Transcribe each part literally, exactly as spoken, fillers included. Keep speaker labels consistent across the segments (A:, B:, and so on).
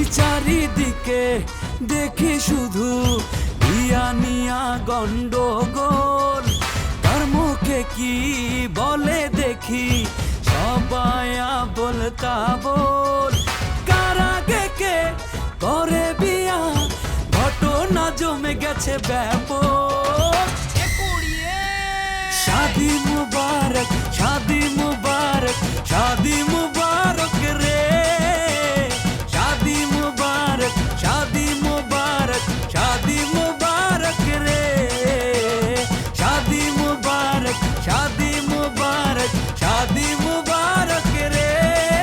A: চারিদিকে দেখি শুধু ইয়া নিয়া গন্ডগোল, তার মুখে কি বলে দেখি সবাই বলতা বল, কারাগে কে করে বিয়া ঘটনা জমে গেছে ব্যাপক। শাদি মুবারক শাদি মুবারক শাদি মুবারক রে, শাদি মুবারক শাদি মুবারক শাদি মুবারক রে, শাদি মুবারক শাদি মুবারক শাদি মুবারক রে,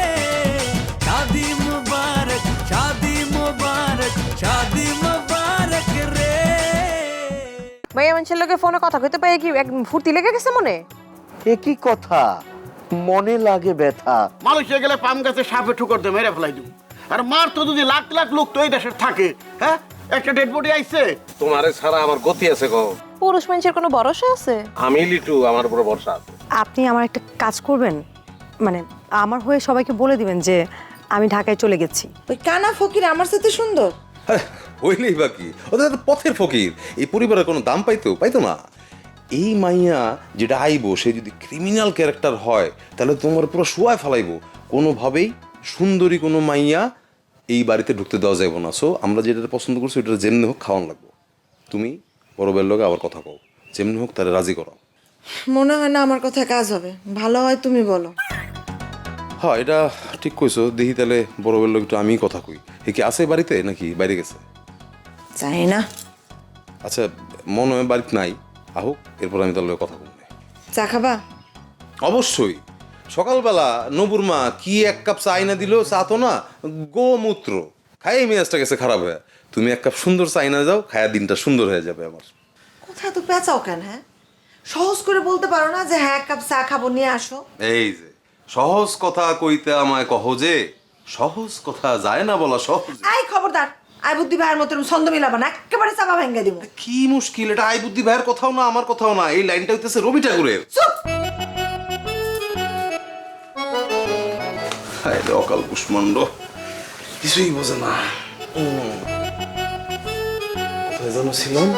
A: শাদি মুবারক শাদি মুবারক শাদি মুবারক রে।
B: ভাইয়া মানুষের লোকে ফোনে কথা কইতে পাই কি এক ফুর্তি লেগে গেছে মনে?
C: এ কি কথা, মনে লাগে ব্যথা।
D: মালয়েশিয়া গেলে পাম গাছে সাপে ঠুকর দিয়ে মেরে ফেলাই দিব। আর মার তো যদি লাখ লাখ লোক তো এই দেশের থাকে, হ্যাঁ একটা ডেড বডি আইছে।
E: তোমারে ছাড়া আমার গতি আছে গো।
B: পুরুষ মানুষের কোনো ভরসা আছে?
E: আমি লিটু, আমার উপর ভরসা আছে।
F: আপনি আমার একটা কাজ করবেন, মানে আমার হয়ে সবাইকে বলে দিবেন যে আমি ঢাকায় চলে গেছি।
G: ওই কানা ফকির আমার সাথে সুন্দর
H: হইলেই বাকি, ওদের তো পথের ফকির, এই পরিবারের কোনো দাম পাইতো পাইতো না। এই মাইয়া যেটা আইবো সে যদি ক্রিমিনাল ক্যারেক্টার হয় তাহলে তোমার পুরো শোয়ায় ফেলাইবো। কোনোভাবেই সুন্দরী কোনো মাইয়া এই বাড়িতে ঢুকতে দেওয়া যাইব না। সো আমরা যেটা পছন্দ করছি ওটা যেমনি হোক খাওয়ান লাগবো। তুমি বড় বের লোকে আবার কথা কও, যেমনি হোক তারা রাজি করো।
G: মনে হয় না আমার কথা কাজ হবে, ভালো হয় তুমি বলো।
H: হ্যাঁ এটা ঠিক কইছো, দেখি তাহলে বড় বের লোক একটু আমি কথা কই। এ কি আছে বাড়িতে নাকি বাইরে গেছে?
G: জানি না।
H: আচ্ছা মনে হয় বাড়িতে নাই, আহুক এরপর আমি তার লগে কথা বলবো।
G: চা খাবা?
H: অবশ্যই। সকালবেলা নবুর মা কি এক কাপ চা আইনা দিল, চা তো না গোমূত্র, খাই মেজাজটা গেছে খারাপ হয়ে। তুমি এক কাপ সুন্দর চা আইনা যাও, খায়া দিনটা সুন্দর হয়ে যাবে আমার।
G: কোথায় তো পেঁচাও কেন? হ্যাঁ সহজ করে বলতে পারো না যে হ্যাঁ এক কাপ চা খাবো নিয়ে আসো?
H: এই যে সহজ কথা কইতে আমায় কহ যে, সহজ কথা যায় না বলা সহজ।
G: আই খবরদার, আই বুদ্ধি ভাইয়ের মতো ছন্দ মিলাবা না, একেবারে চাপা ভেঙে দিব।
H: কি মুশকিল, এটা আই বুদ্ধি ভাইয়ের কথাও না আমার কথাও না, এই লাইনটা হইতেছে রবি ঠাকুরের।
G: চুপ!
H: অকাল কুষ্মান্ড কিছুই বোঝে না। কোথায় যেন ছিলাম?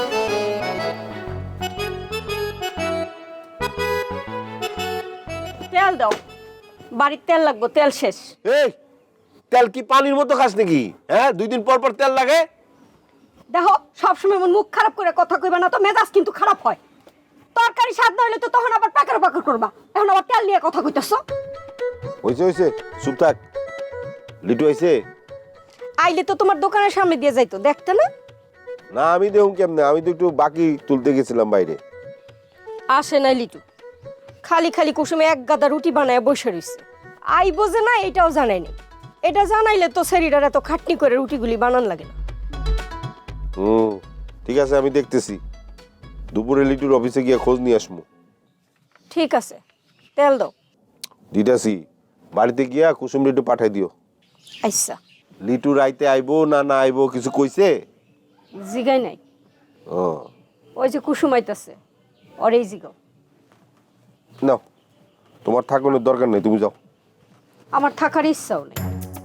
F: তেল দাও, বাড়ির তেল লাগবে, তেল শেষ।
C: এই তেল কি পানির মতো খাস নাকি? হ্যাঁ দুই দিন পর পর তেল লাগে।
F: দেখো সবসময় এমন মুখ খারাপ করে কথা কইবা না তো, মেজাজ কিন্তু খারাপ হয়। তরকারি স্বাদ না হইলে তো তখন আবার পাকার পাকার করবা, এখন আবার তেল নিয়ে কথা কইতেছ।
C: হয়েছে হয়েছে, চুপ থাক। লিটু আইছে?
F: আইলে তো তোমার দোকানের সামনে দিয়ে যাইতো, দেখতে না?
C: না আমি দেখুন কেমনে, আমি তো একটু বাকি তুলতে গেছিলাম বাইরে।
F: আসে নাই লিটু, খালি খালি কুসুমে এক গাদা রুটি বানায় বসে রইছে। আই বোঝে না এটাও জানায়নি, এটা জানাইলে তো শরীরের এত খাটনি করে রুটিগুলি বানান লাগে না।
C: হুম ঠিক আছে, আমি দেখতেছি। দুপুরে লিটুর অফিসে গিয়ে খোঁজ নিয়ে আসমু।
F: ঠিক আছে, তেল দাও।
C: দিটাছি, বাড়িতে গিয়া কুসুম লিটু পাঠাই দিও।
F: আচ্ছা।
C: লিটু রাইতে আইবো না না আইবো কিছু কইছে?
F: জিগাই নাই।
C: ও
F: ওই যে কুসুম আইতাছে, ওরেই জিগাও।
C: নাও, তোমার থাকানোর দরকার নেই, তুমি যাও।
F: আমার থাকার ইচ্ছাও নেই।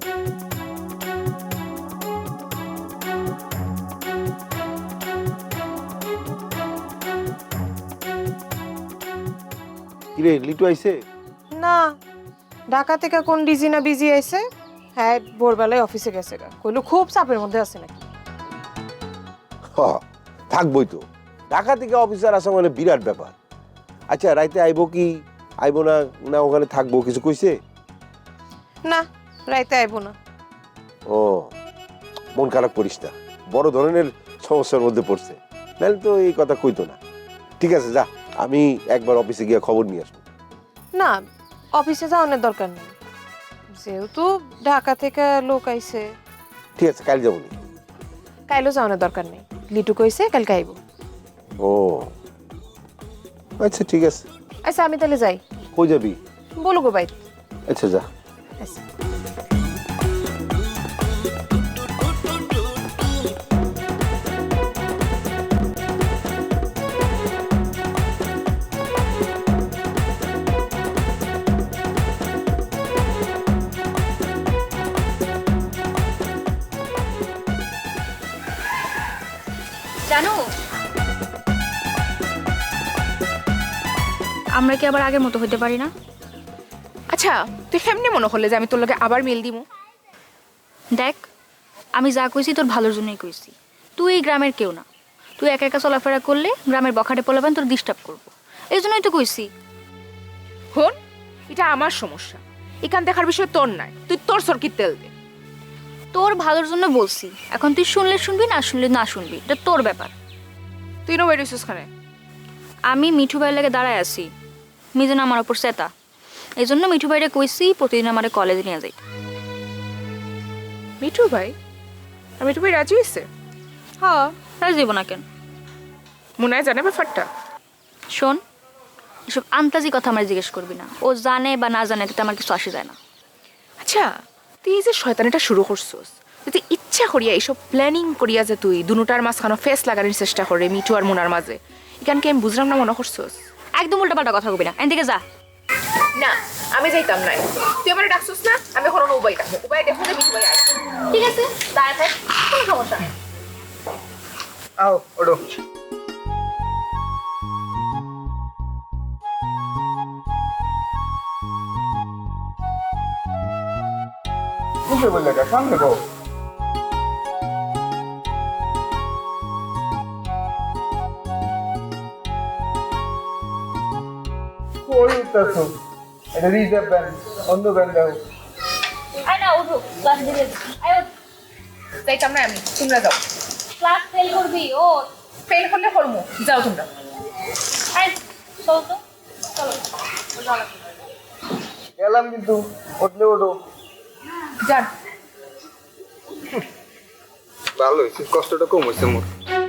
C: কিরে লিটু আইছে?
B: না, ঢাকা থেকে কোন ডিজি না বিজি আইছে। হ্যাঁ ভোরবেলায় অফিসে গেছে, কইলো খুব চাপের মধ্যে আছে নাকি।
C: হ্যাঁ থাকবোই তো, ঢাকা থেকে অফিসার আসা মানে বিরাট ব্যাপার। আচ্ছা রাইতে আইবো কি আইবো না, না ওখানে থাকবো কিছু কইছে?
B: না রাইতে আইবো না।
C: ও মন খারাপ করিস না, বড় ধরনের সমস্যার মধ্যে পড়ছে, নাহলে তো এই কথা কইতো না। ঠিক আছে যা, আমি একবার অফিসে গিয়ে খবর নিয়ে আসবো।
B: না অফিসে যাওয়ার দরকার নেই, যেহেতু ঢাকা থেকে লোক আইছে।
C: ঠিক আছে কাল যাবো নি?
B: কাইলো যাওয়ার দরকার নেই, লিটু কইছে কালকে আইব।
C: ও আচ্ছা ঠিক আছে।
B: আচ্ছা আমি তাহলে যাই।
C: কই যাবি?
B: বলো গো ভাই।
C: আচ্ছা যা।
B: আচ্ছা।
I: জানো আমরা কি আবার আগের মতো হতে পারি না?
J: আচ্ছা তুই কেমনি মনে করলে যে আমি তোর লগে আবার মিল দিমু?
I: দেখ আমি যা কইছি তোর ভালোর জন্যই কইছি। তুই এই গ্রামের কেউ না, তুই একা একা চলাফেরা করলে গ্রামের বখাটে পোলাপান তোর ডিস্টার্ব করবো, এই জন্যই তো কইছি।
J: হন, এটা আমার সমস্যা, এখান দেখার বিষয় তোর নাই, তুই তোর সরকির তেল দে।
I: তোর ভালোর জন্য বলছি, এখন তুই শুনলে শুনবি, না শুনলে না শুনবি, এটা তোর ব্যাপার।
J: তুই নো বেরিয়েছিস খানে?
I: আমি মিঠু ভাইয়ের লাগে দাঁড়ায় আছি, মিজান আমার ওপর সেতা, এই জন্য মিঠু ভাইরে কইছি প্রতিদিন আমার কলেজে নিয়ে যাই।
J: মিঠু ভাই? আর মিঠু ভাই রাজি হয়েছে?
I: হ্যাঁ, রাজি দিব না কেন?
J: মনে হয় জানে ব্যাপারটা?
I: শোন, এসব আন্তাজি কথা আমার জিজ্ঞেস করবি না, ও জানে বা না জানে তাতে আমার কিছু আসে যায় না।
J: আচ্ছা তুই এই যে শয়তানিটা শুরু করছিস, তুই ইচ্ছা করিয়া এইসব প্ল্যানিং করিয়া যে তুই দুটার মাঝখানে ফেস লাগানোর চেষ্টা করে মিঠু আর মুনার মাঝে, এখানকে আমি বুঝলাম না মনে করছিস?
I: একদম উল্টা পাল্টা কথা কবি না, এদিকে যা।
J: না আমি যাইতাম নাই, তুই আমার ডাকছিস না, আমি কোনো উপায় ডাকবো, উপায় দেখো যে মিঠু ভাই আয়।
I: ঠিক আছে দাঁড়ায় থাক, কোনো সমস্যা নেই।
K: আও ওঠো। মুখে বললে কা সামনে গো। কই উঠতেছো? এটা রিজার্ভ ব্যান্ড, অন্য ব্যান্ড দাও।
I: আয় না উঠো, ক্লাস দিলে আয় ওঠ।
J: যাইতাম না আমি, তোমরা যাও।
I: ক্লাস ফেল করবি, ও
J: ফেল করলে করবো, যাও তোমরা।
I: আয় চল তো, চলো
K: গেলাম কিন্তু, উঠলে ওঠো।
J: যান।
K: ভালো হয়েছে, কষ্টটা কম হয়েছে মোর।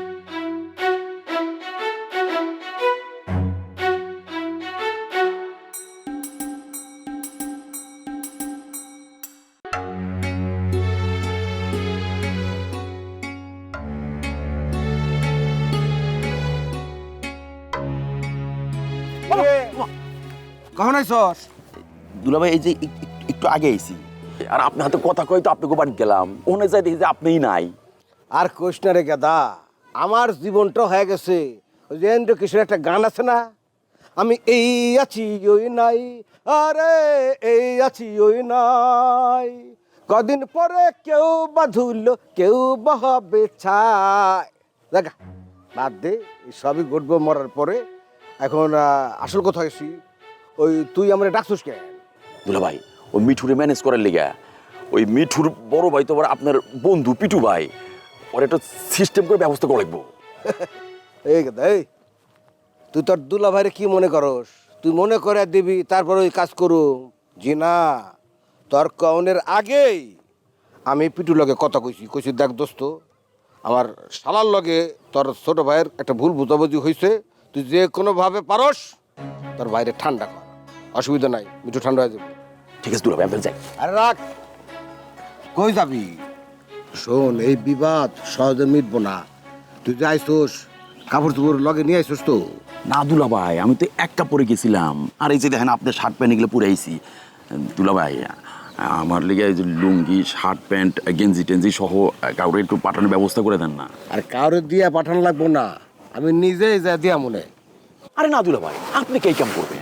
L: কখন আইসস?
M: দুলাভাই এই যে এক- এক- একটু আগে আইছি, আর আপনার হাতে কথা কই তো আপনাকে বাড়ি গেলাম, ওখানে যাই দেখি যে আপনিই নাই।
L: আর কোষ না রে গাদা, আমার জীবনটা হয়ে গেছে ওই যে এন্দ্র কিশোর একটা গান আছে না, আমি এই আছি ওই নাই, আরে এই আছি ওই নাই, কদিন পরে কেউ বা ধুলো কেউ বা হবে ছাই। দেখা বাদ দে, এই সবই ঘটবো মরার পরে। এখন আহ, আসল কথা হয়েছি, ওই তুই আমার ডাকছিস কেন?
M: দুলাভাই ওই মিঠুরে ম্যানেজ করার লিগা, ওই মিঠুর বড় ভাই তো আবার আপনার বন্ধু পিটু ভাই, ওর একটা সিস্টেম করে ব্যবস্থা করে রাখবো।
L: এই গাদা, এই তুই তোর দুলা ভাইরে কি মনে করস? তুই মনে করে দিবি তারপর ওই কাজ করু? জি না, তোর কনের আগেই আমি পিটুর লগে কথা কইছি, কইছি দেখ দোস্ত, আমার শালার লগে তোর ছোট ভাইয়ের একটা ভুল বুঝাবুঝি হয়েছে, তুই যে কোনোভাবে পারস তোর বাইরে ঠান্ডা কর, অসুবিধা নাই, মিঠু ঠান্ডা হয়ে যাবে।
M: ঠিক আছে দুলাভাই, আমি যাই।
L: আরে রাখ, কই যাবি? শোন, এই বিবাদ সহজে মিটবো না, তুই যে আইসোস কাপড় চোপড় লগে নিয়ে আইসোস তো?
M: না দুলাভাই, আমি তো এক কাপড়ে গেছিলাম, আর এই যে দেখেন আপনার শার্ট প্যান্ট এগুলো পরে আইছি। দুলাভাই আমার লিগে এই যে লুঙ্গি শার্ট প্যান্ট গেঞ্জি টেঞ্জি সহ কাউরে একটু পাঠানোর ব্যবস্থা করে দেন না।
L: আর কাউরে দিয়া পাঠানো লাগবো না, আমি নিজেই যা দিয়া মনে।
M: আরে না দুলাভাই, আপনি কে কাম করবেন?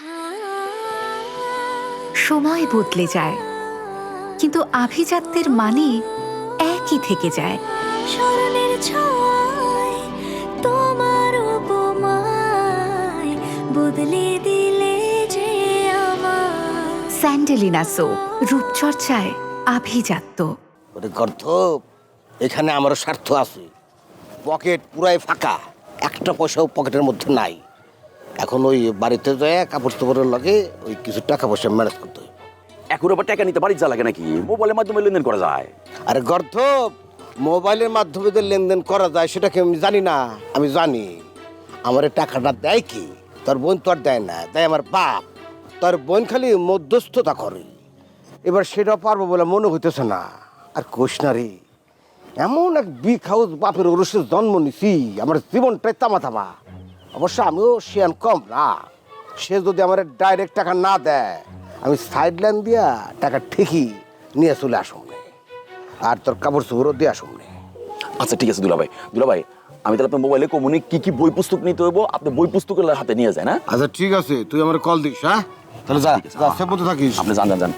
N: সময় বদলে যায়, কিন্তু আভিজাত্যের মানে একই থেকে যায়।
A: স্মরণের ছোঁয়ায় তোমার উপমায় বদলে দিলে যে আমার।
N: স্যান্ডেলিনা সো, রূপচর্চায় আভিজাত্য।
L: ওরে গর্ধব, এখানে আমারও স্বার্থ আছে, পকেট পুরাই ফাঁকা, একটা পয়সাও পকেটের মধ্যে নাই। এখন ওই বাড়িতে যায় কাপড় চোপড়ের লগে ওই কিছু টাকা পয়সা ম্যানেজ করতে হবে।
M: এখন আবার টাকা নিতে বাড়ি যা লাগে নাকি? মোবাইলের মাধ্যমে লেনদেন করা যায়।
L: আরে গর্ধব, মোবাইলের মাধ্যমে যে লেনদেন করা যায় সেটাকে আমি জানি না? আমি জানি। আমার এই টাকাটা দেয় কি? তোর বোন তো আর দেয় না, দেয় আমার বাপ। তোর বোন খালি মধ্যস্থতা করে, এবার সেটা পারবো বলে মনে হইতেছে না। আর কোষ না রে, এমন এক বিগ হাউস বাপের ওরসে জন্ম নিছি, আমার জীবনটাই তামা তামা। অবশ্য আমিও শিয়ান কম না, সে যদি আমার ডাইরেক্ট টাকা না দেয় আমি সাইড লাইন দিয়া টাকা ঠিকই নিয়ে চলে আসুন, আর তোর কাপড় চোপড়ও দিয়ে আসুন।
M: আচ্ছা ঠিক আছে দুলাভাই, দুলাভাই আমি তাহলে আপনার মোবাইলে কমুনি কি কি বই পুস্তক নিতে হইব আপনি বই পুস্তকের হাতে নিয়ে যান। হ্যাঁ
L: আচ্ছা ঠিক আছে, তুই আমার কল দিস। হ্যাঁ তাহলে যা যা, সে মতো থাকিস।
M: আপনি যান যান যান।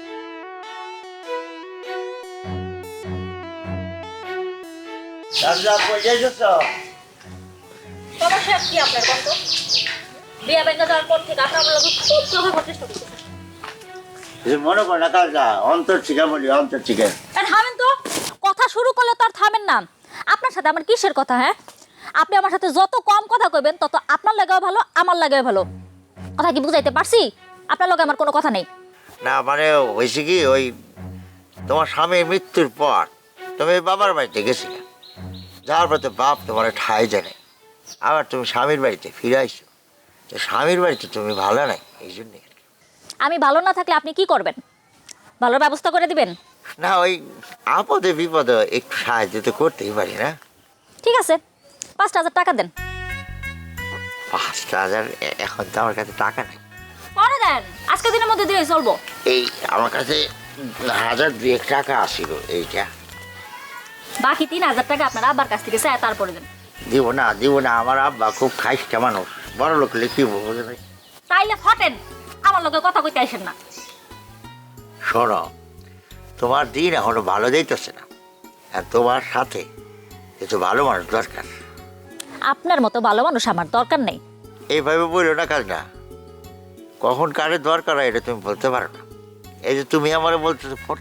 I: সমস্যা কি আপনার কত বিয়া ব্যাংকে যাওয়ার পর থেকে আপনার লগে খুব প্রভাব চেষ্টা করতেছে।
O: মনে কর না কাজ অন্তর ঠিকা বলি অন্তর ঠিকা।
I: থামেন তো, কথা শুরু করলে তো আর থামেন না। আপনার সাথে আমার কিসের কথা? হ্যাঁ, আপনি আমার সাথে যত কম কথা কইবেন তত আপনার লাগেও ভালো, আমার লাগেও ভালো। কথা কি বুঝাইতে পারছি? আপনার লগে আমার কোনো কথা নেই।
O: না মানে হয়েছে কি, ওই তোমার স্বামীর মৃত্যুর পর তুমি বাবার বাড়িতে গেছিলে, যাওয়ার পর তো বাপ তোমার ঠাই জানে, আবার তুমি স্বামীর বাড়িতে ফিরে আইসো। তো স্বামীর বাড়িতে তুমি ভালো নাই, এই জন্যে।
I: আমি ভালো না থাকলে আপনি কি করবেন? ভালোর ব্যবস্থা করে দিবেন?
O: না ওই আপদে বিপদে একটু সাহায্য তো করতেই পারি না।
I: ঠিক আছে, পাঁচটা হাজার টাকা দেন।
O: পাঁচটা হাজার এখন তো আমার কাছে টাকা নেই।
I: পরে দেন, আজকে দিনের মধ্যে দিয়ে চলবো।
O: এই আমার কাছে হাজার দুয়েক টাকা আসিল, এইটা
I: বাকি তিন হাজার টাকা আপনার আব্বার কাছ থেকে চায় তারপরে দেন।
O: দিব না দিব না, আমার আব্বা খুব খাইস্টা মানুষ, বড় লোক লিখিব বুঝে নাই।
I: তাইলে ফটেন, আমার লগে কথা কইতে আসেন না।
O: শোনো, তোমার দিন এখনো ভালো যাইতেছে না, আর তোমার সাথে কিছু ভালো মানুষ দরকার।
I: আপনার মতো ভালো মানুষ আমার দরকার নেই।
O: এইভাবে বললো না কাজ না, কখন কারে দরকার হয় এটা তুমি বলতে পারো না। এই যে তুমি আমার বলতেছো ফোন,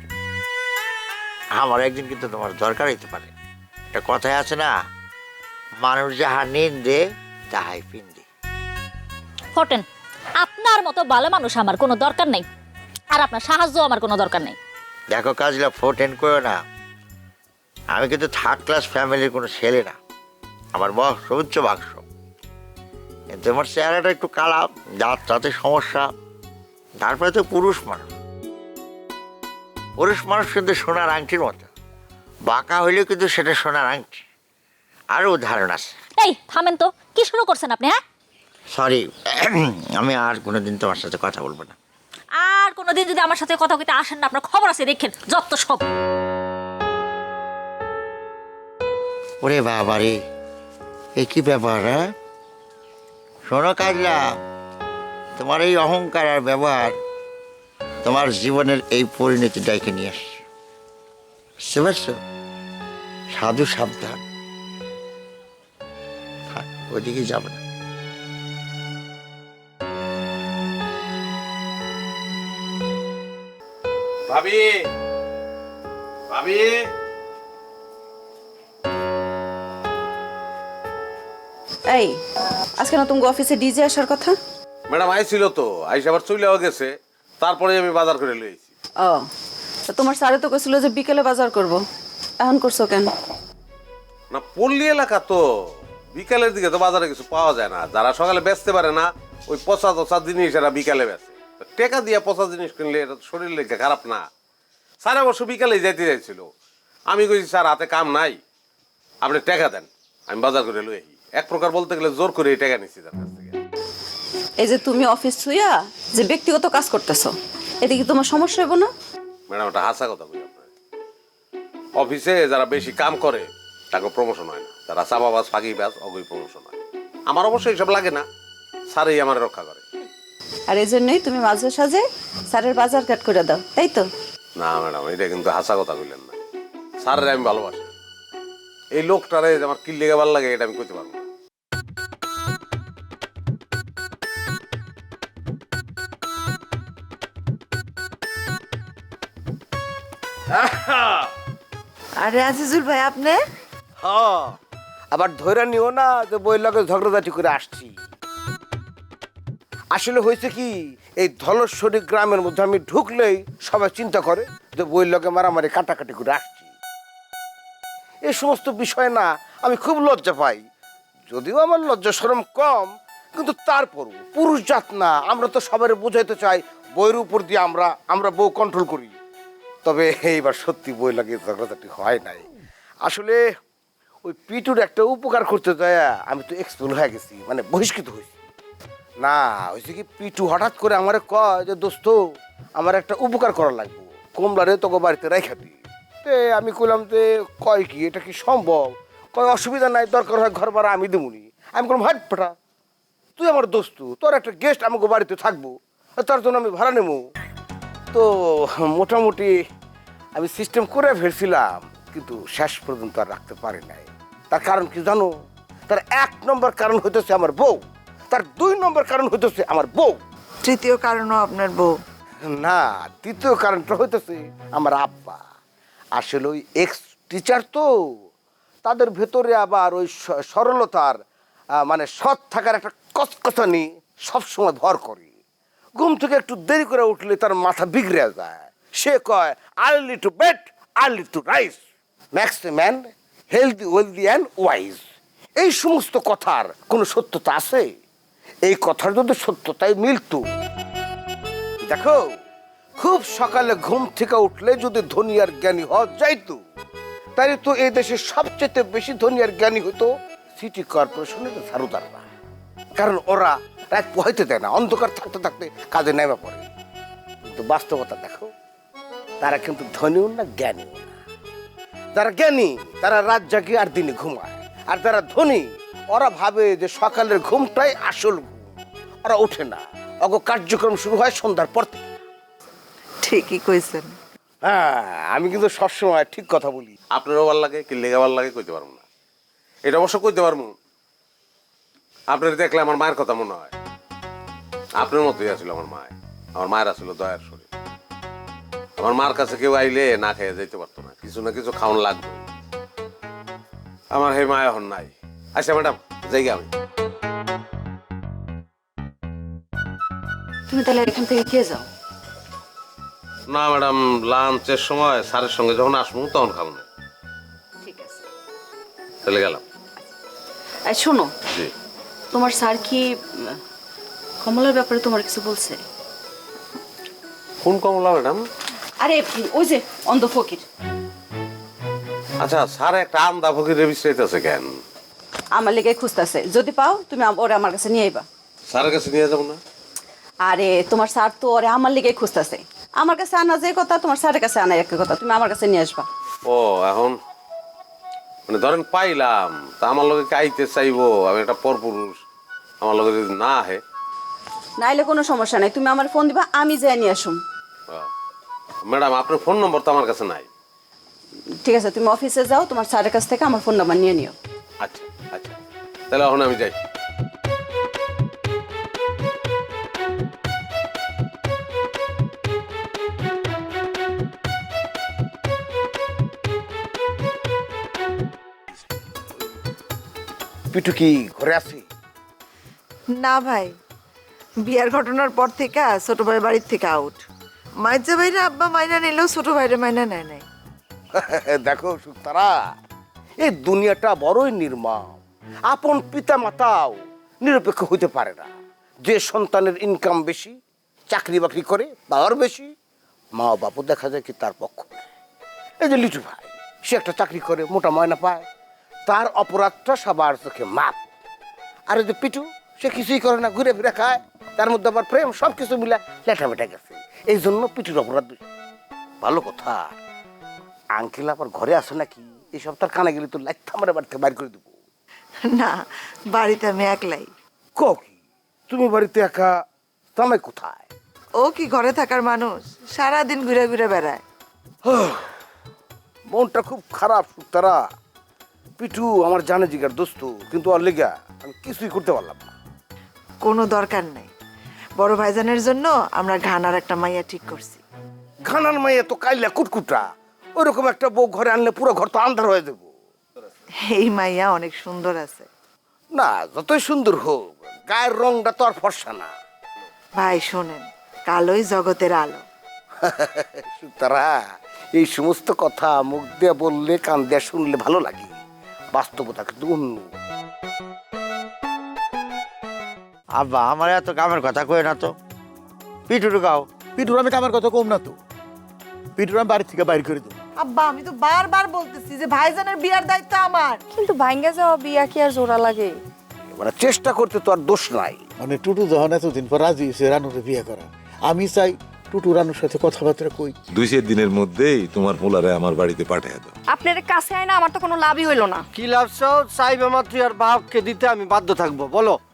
O: আমার একদিন কিন্তু তোমার দরকার হইতে পারে। একটা কথাই আছে না, মানুষ যাহা নিন্দে তাহাই পিন্দে।
I: ফটেন, আপনার মতো ভালো মানুষ আমার কোনো দরকার নেই, আর আপনার সাহায্য আমার কোনো দরকার নেই।
O: দেখো কাজলা, ফোটেন করো না, আমি কিন্তু থার্ড ক্লাস ফ্যামিলির কোনো ছেলে না, আমার বয়স উচ্চ বাক্স, কিন্তু আমার চেহারাটা একটু কালা, দাঁত তাতে সমস্যা, তারপরে তো পুরুষ মানুষ। পুরুষ মানুষ কিন্তু সোনার আংটির মতো, বাঁকা হইলেও কিন্তু সেটা সোনার আংটি। আরও উদাহরণ আছে।
I: এই থামেন তো, কি শুরু করছেন আপনি? হ্যাঁ
O: সরি, আমি আর কোনোদিন তোমার সাথে কথা বলবো না।
I: আর কোনোদিন যদি আমার সাথে কথা কইতে আসেন না, আপনার খবর আছে দেখেন, যত সব।
O: ওরে বাবা রে, এ কি ব্যাপার? হ্যাঁ শোনো কাজলা, তোমার এই অহংকার আর ব্যবহার তোমার জীবনের এই পরিণতি ডাইকে নিয়ে আসছে, বুঝতে পারছো? সাধু সাবধান, ওইদিকে যাবে না।
E: ভাবি ভাবি
P: এই আজকে না তুমি অফিসে ডিজে আসার কথা?
E: ম্যাডাম আইছিল তো, আইসা আবার চলেও গেছে, তারপরে আমি বাজার করে লইছি।
P: ও তো তোমার স্যারে তো কইছিল যে বিকেলে বাজার করব, এখন করছো কেন?
E: না পল্লী এলাকা তো, বিকালের দিকে তো বাজারে কিছু পাওয়া যায় না, যারা সকালে বেচতে পারে না ওই পচা পচা জিনিস এরা বিকালে বেচে। টেকা দিয়ে পচা জিনিস কিনলে এটা শরীর লেগে খারাপ না। স্যার অবশ্য বিকালে যাইতে চাইছিল, আমি কইছি স্যার হাতে কাম নাই, আপনি টাকা দেন, আমি বাজার করে লই আহি। এক প্রকার বলতে গেলে জোর করে এই টাকা নিচ্ছি তার কাছ থেকে।
P: এই যে তুমি অফিস ছুইয়া যে ব্যক্তিগত কাজ করতেছো, এতে কি তোমার সমস্যা হইব না?
E: ম্যাডাম এটা হাসা কথা বলি আপনার, অফিসে যারা বেশি কাম করে তাকে প্রমোশন হয় না, যারা চাপাবাজ ফাঁকিবাজ অগই প্রমোশন হয়। আমার অবশ্যই এইসব লাগে না, স্যারই আমার রক্ষা করে।
P: আর এই জন্যই তুমি মাঝে সাঝে স্যারের বাজার ঘাট করে দাও, তাই তো?
E: না ম্যাডাম, এটা কিন্তু হাসা কথা বললেন না, স্যারের আমি ভালোবাসি, এই লোকটারে আমার কি লেগে ভালো লাগে এটা আমি কইতে পারবো না।
G: আরে আজিজুল ভাই, আপনি?
L: হ্যাঁ, আবার ধরে নিও না যে বই লগে ঝগড়াঝাটি করে আসছি। আসলে হয়েছে কি, এই ধলেশ্বরী গ্রামের মধ্যে আমি ঢুকলেই সবাই চিন্তা করে যে বই লগে মারামারি কাটাকাটি করে আসছি। এই সমস্ত বিষয় না আমি খুব লজ্জা পাই, যদিও আমার লজ্জা শরম কম, কিন্তু তারপরও পুরুষ জাত না, আমরা তো সবাই বোঝাইতে চাই বইয়ের উপর দিয়ে আমরা আমরা বউ কন্ট্রোল করি। তবে এইবার সত্যি বই লাগে ঝগড়াঝাটি হয় নাই। আসলে ওই পিটুর একটা উপকার করতে যায় আমি তো এক্সপেল হয়ে গেছি, মানে বহিষ্কৃত হয়েছি। না হয়েছে কি, পিটু হঠাৎ করে আমার কয় যে দোস্ত আমার একটা উপকার করা লাগবে, কমলারে তোকে বাড়িতে রেখা দিই। তে আমি কইলাম যে কয় কি এটা কি সম্ভব? কয় অসুবিধা নাই, দরকার হয় ঘর ভাড়া আমি দেবুনি। আমি কোনো ভাট পাঠা, তুই আমার দোস্ত, তোর একটা গেস্ট আমাকে বাড়িতে থাকবো, তার জন্য আমি ভাড়া নেবো। তো মোটামুটি আমি সিস্টেম করে ফেলছিলাম, কিন্তু শেষ পর্যন্ত আর রাখতে পারি নাই। তার কারণ কি জানো? তার এক নম্বর কারণ হইতেছে আমার বউ, তার দুই নম্বর কারণ হইতেছে আমার বউ,
G: তৃতীয় কারণও আপনার বউ?
L: না, তৃতীয় কারণটা হইতেছে আমার আব্বা। আসলে ওই এক্স টিচার তো, তাদের ভেতরে আবার ওই সরলতার মানে সৎ থাকার একটা কচকচানি সবসময় ভর করে। ঘুম থেকে একটু দেরি করে উঠলে তার মাথা বিগড়ে যায়। সে কয় early to bed early to rise, makes man healthy wealthy and wise. এই সমস্ত কথার কোনো সত্যতা আছে? এই কথার যদি সত্যতাই মিলতো, দেখো খুব সকালে ঘুম থেকে উঠলে যদি ধনী আর জ্ঞানী হওয়া যাইতো, তাই তো এই দেশের সবচেয়ে বেশি ধনী আর জ্ঞানী হতো সিটি কর্পোরেশনের ঝাড়ুদাররা। কারণ ওরা রাত পোহাইতে দেয় না, অন্ধকার থাকতে থাকতে কাজে নেমে পড়ে। কিন্তু বাস্তবতা দেখো, তারা কিন্তু ধনীও না জ্ঞানীও না। যারা জ্ঞানী তারা রাত জাগে আর দিনে ঘুমায়, আর যারা ধনী ওরা ভাবে যে সকালের ঘুমটাই আসল ঘুম। ওরা ওঠে না, অগ কার্যক্রম শুরু হয় সন্ধ্যার পর থেকে।
G: ঠিকই কইছেন।
L: হ্যাঁ, আমি কিন্তু সবসময় ঠিক কথা বলি।
E: আপনারও ভাল লাগে কি লেগে ভাল লাগে কইতে পারবো না, এটা অবশ্য কইতে পারবো। আপনার দেখলে আমার মায়ের কথা মনে হয়, আপনার মতোই আছিল আমার মায়। আমার মায়ের আসলে দয়ার শরীর। আমার মার কাছে কেউ আইলে না খেয়ে যেতে পারতো না, কিছু না কিছু খাওয়ান লাগবে। আমার হে মা এখন নাই। আচ্ছা ম্যাডাম, যাই আমি।
P: তুমি তাহলে এখান থেকে খেয়ে যাও।
E: না ম্যাডাম, লাঞ্চের সময় স্যারের সঙ্গে যখন আসবো তখন খাবো না।
P: ঠিক আছে,
E: চলে গেলাম।
P: এই শোনো,
E: জি।
P: তোমার স্যার কি উম, কমলার ব্যাপারে তোমার কিছু বলছে?
E: কোন কমলা ম্যাডাম?
P: আরে ওই যে অন্ধ ফকির।
E: আচ্ছা, স্যার একটা আমদা ফকির রেজিস্ট্রেট কেন?
P: আমার লেগে খুঁজতেছে, যদি পাও তুমি আম- ওরে আমার কাছে নিয়ে আইবা।
E: স্যারের কাছে নিয়ে যাবো না?
P: আরে তোমার স্যার তো ওরে আমার লেগে খুঁজতেছে। আমার কাছে আনা যে কথা, তোমার স্যারের কাছে আনা এক কথা। তুমি আমার কাছে নিয়ে আসবা।
E: ও, এখন মানে ধরেন পাইলাম, তা আমার লগে আইতে চাইবো, আমি একটা পরপুরুষ, আমার লগে যদি না আহে?
P: নাইলে কোনো সমস্যা নাই, তুমি আমার ফোন দিবা, আমি যাই নিয়ে আসুম।
E: ম্যাডাম, আপনার ফোন নম্বর তো আমার কাছে নাই।
P: ঠিক আছে, তুমি অফিসে যাও, তোমার স্যারের কাছ থেকে আমার ফোন নাম্বার নিয়ে নিও।
E: আচ্ছা আচ্ছা, তাহলে এখন আমি যাই।
L: পিটু কি ঘরে আছি?
G: না ভাই, বিয়ার ঘটনার পর থেকে ছোট ভাই বাড়ির থেকে আউট। মাইজা ভাইরা আব্বা মাইনা নিলেও ছোট ভাইরা মাইনা নেয় নাই।
L: দেখো সুতারা, এই দুনিয়াটা বড়ই নির্মম। আপন পিতা মাতাও নিরপেক্ষ হইতে পারে না। যে সন্তানের ইনকাম বেশি, চাকরি বাকরি করে, পাওয়ার বেশি, মা বাপও দেখা যায় কি তার পক্ষ নেয়। এই যে লিটু ভাই, সে একটা চাকরি করে, মোটা ময়না পায়, তার অপরাধটা সবার চোখে মাপ। আর এই যে পিটু, সে কিছুই করে না, ঘুরে ফিরে খায়, তার মধ্যে আবার প্রেম, সব কিছু মিলে লেটা বেটা গেছে। এই জন্য পিটুর অপরাধ বেশি। ভালো কথা, আঙ্কেল আবার ঘরে আসে নাকি? এই সপ্তাহ কানে গেলে তো লাইট আমার বাড়ি থেকে বাইর করে দেবো।
G: না, বাড়িতে আমি একলাই।
L: কি তুমি বাড়িতে একা? তোমায় কোথায়?
G: ও কি ঘরে থাকার মানুষ? সারাদিন ঘুরে ঘুরে বেড়ায়।
L: মনটা খুব খারাপ সুতারা। পিটু আমার জানে জিগার দোস্ত, কিন্তু ওর লেগা আমি কিছুই করতে পারলাম না।
G: কোনো দরকার নাই, বড় ভাইজানের জন্য আমরা ঘানার একটা মাইয়া ঠিক করছি।
L: ঘানার মাইয়া তো কাইলা কুটকুটা, ওইরকম একটা বউ ঘরে আনলে পুরো ঘর তো আন্ধার হয়ে দেবো।
G: এই মাইয়া অনেক সুন্দর আছে।
L: না, যতই সুন্দর হোক, গায়ের রংটা তো আর ফর্সা না।
G: ভাই শোনেন, কালোই জগতের আলো।
L: সুতারা, এই সমস্ত কথা মুখ দিয়ে বললে, কান দিয়ে শুনলে ভালো লাগে, বাস্তবতা কিন্তু অন্য।
O: আব্বা, আমার এত কামের কথা কই না তো। পিটুর গাও।
D: পিটুর আমি কামের কথা কম না তো। পিটুর আমি বাড়ি থেকে বাইর করে দেবো।
G: আব্বা, আমি তো বারবার বলতেছি যে ভাইজানের বিয়ার দায়িত্ব আমার।
F: কিন্তু ভাঙ্গা যাওয়া বিয়া কি আর জোড়া লাগে?
L: মানে চেষ্টা করতে তো আর দোষ নাই।
D: মানে টুটু যখন এতদিন পর রাজি হয়েছে রানুরে বিয়ে করা, আমি চাই
L: টুটু রানুর সাথে কথাবার্তা কই।
Q: দুই চার দিনের মধ্যেই তোমার পোলারে আমার বাড়িতে পাঠিয়ে দাও।
F: আপনার কাছে আয় না আমার তো কোনো লাভই হইলো না।
L: কি লাভ চাও? চাইবে মাত্র আর বাপকে দিতে আমি বাধ্য থাকবো, বলো।